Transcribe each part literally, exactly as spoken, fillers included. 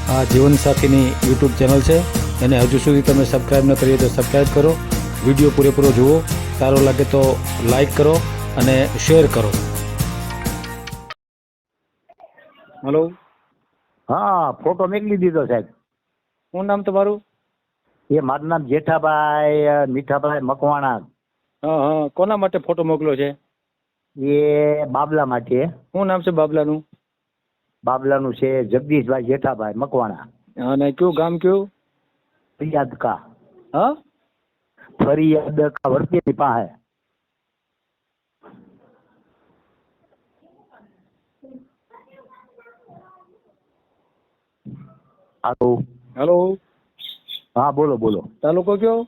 આ જીવનસાથીની YouTube channel છે, એને હજુ સુધી તમે સબસ્ક્રાઈબ ન કરી તો સબસ્ક્રાઈબ કરો. વિડીયો પૂરેપૂરો જુઓ, સારો લાગે તો લાઈક કરો અને શેર કરો. હલો, હા, ફોટો મોકલી દીધો સાહેબ. શું નામ તમારું? એ મારું નામ જેઠાભાઈ મીઠાભાઈ મકવાણા. હા હા, કોના માટે ફોટો મોકલ્યો છે? એ બાબલા માટે. શું નામ છે બાબલાનું? બાબલાનું છે જગદીશભાઈ જેઠાભાઈ મકવાણા. અને કયું ગામ કયું? ફરિયાદ કા. હા, ફરિયાદ કા વર્તેની પાસે. હાલો. હેલો, હા, બોલો બોલો. તાલુકો કયો?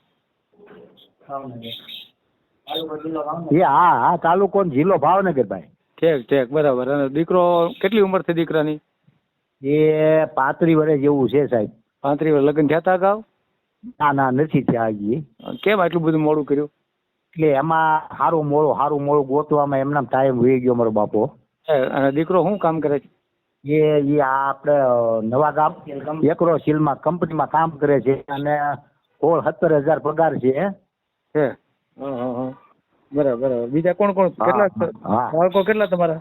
એ હા હા, તાલુકો ને જિલ્લો ભાવનગર ભાઈ. ઠીક ઠીક, બરાબર. અને દીકરો કેટલી ઉંમર થઈ દીકરાની? એ પાંત્રીસ વર્ષ જેવું છે સાહેબ. પાંત્રીસ વર્ષ. લગ્ન થયા હતા અગાઉ? ના ના, નથી થયા હજી. કેમ આટલું બધું મોડું કર્યું? એટલે એમાં સારું મોડું સારું મોડું ગોતવામાં એમના ટાઈમ વહી ગયો મારો બાપો. અને દીકરો શું કામ કરે છે? એ એ આપણે નવા ગામ એકરો સિલમાં કંપનીમાં કામ કરે છે અને સોળ સત્તર હજાર પગાર છે. છે. હા હા હા, બરાબર બરાબર. બીજા કોણ કોણ? કેટલા હા, બાળકો કેટલા તમારા?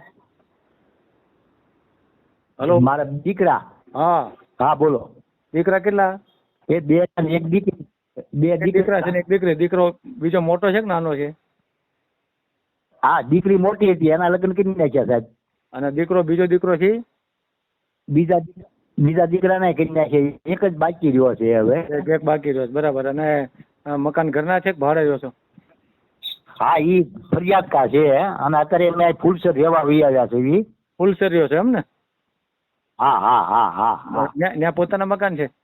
હલો, મારા દીકરા. હા હા, બોલો. દીકરા કેટલા? એ બે અને એક દીકરી. બે એક દીકરા છે ને એક દીકરી. દીકરો બીજો મોટો છે કે નાનો છે? હા, દીકરી મોટી હતી, એના લગ્ન કરી નાખ્યા સાહેબ. અને દીકરો બીજો દીકરો છે? બીજા બીજા દીકરાને કરી નાખ્યા. એક જ બાકી રહ્યો છે હવે. એક એક બાકી રહ્યો છે, બરાબર. અને અ, મકાન ઘરના છે કે ભાડે રહ્યો છો? હા, ઈ ફરિયાદ કા છે અને અત્યારે અમે ફૂલસર રહેવા વહી આવ્યા છે. ઈ ફૂલસર રહ્યો છે એમ ને? હા હા હા હા હા. ત્યાં પોતાના મકાન છે?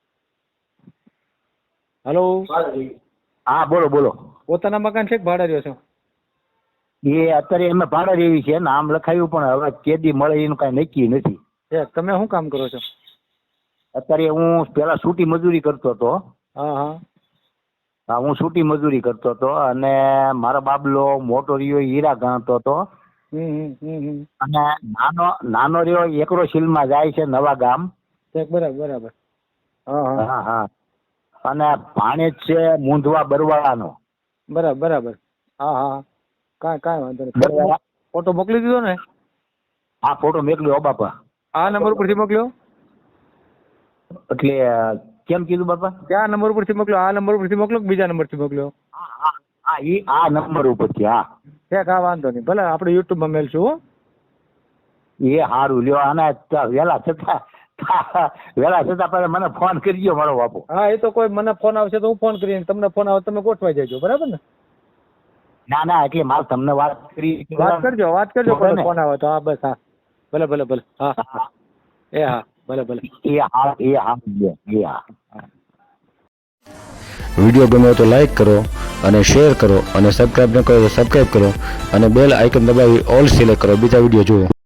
હલો, હા, બોલો બોલો. પોતાના મકાન છે કે ભાડે રહ્યો છો? એ અત્યારે અમે ભાડે રહેવી છે, નામ લખાયું પણ હવે કેદી મળે એનું કઈ નક્કી નથી. તમે શું કામ કરો છો? અત્યારે હું પેલા છૂટી મજૂરી કરતો હતો. હા હા હા, હું છૂટી મજૂરી કરતો હતો અને મારો બાબલો મોટો રહ્યો હીરા ગણતો હતો. હમ હમ હમ. અને નાનો નાનો રહ્યો એકરો સિલમાં જાય છે નવા ગામ. બરાબર બરાબર. હા હા હા હા. અને ભાણેજ છે મૂંધવા બરવાળાનો. બરાબર બરાબર. હા હા, કાંઈ કાંઈ વાંધો નહીં. બરવાળા. ફોટો મોકલી દીધો ને? હા, ફોટો મોકલ્યો બાપા. આ નંબર ઉપરથી મોકલ્યો? એટલે કેમ કીધું બાપા? ક્યાં નંબર ઉપરથી મોકલ્યો? આ નંબર ઉપરથી મોકલો કે બીજા નંબરથી મોકલ્યો? હા હા હા, ઈ આ નંબર ઉપરથી. હા, છે કા વાંધો નહીં, ભલે આપણે યુટ્યુબમાં મેલશું. હો, એ સારું લ્યો. અને વેલા છતાં વેલા છતાં પહેલા મને ફોન કરજો મારો બાપુ. હા, એ તો કોઈ મને ફોન આવશે તો હું ફોન કરીને, તમને ફોન આવે તમે ગોઠવાઈ જજો, બરાબર ને? ના ના, એટલે મારે તમને વાત કરી. વાત કરજો વાત કરજો કોઈ ફોન આવે તો. હા બસ. હા, ભલે ભલે ભલે. હા હા, એ હા, ભલે ભલે. એ હા એ હા એ હા. વિડીયો ગમ્યો તો લાઈક કરો અને શેર કરો અને સબસ્ક્રાઈબ ન કરો તો સબસ્ક્રાઈબ કરો અને બેલ આઇકન દબાવી ઓલ સિલેક્ટ કરો બીજા વિડીયો જુઓ.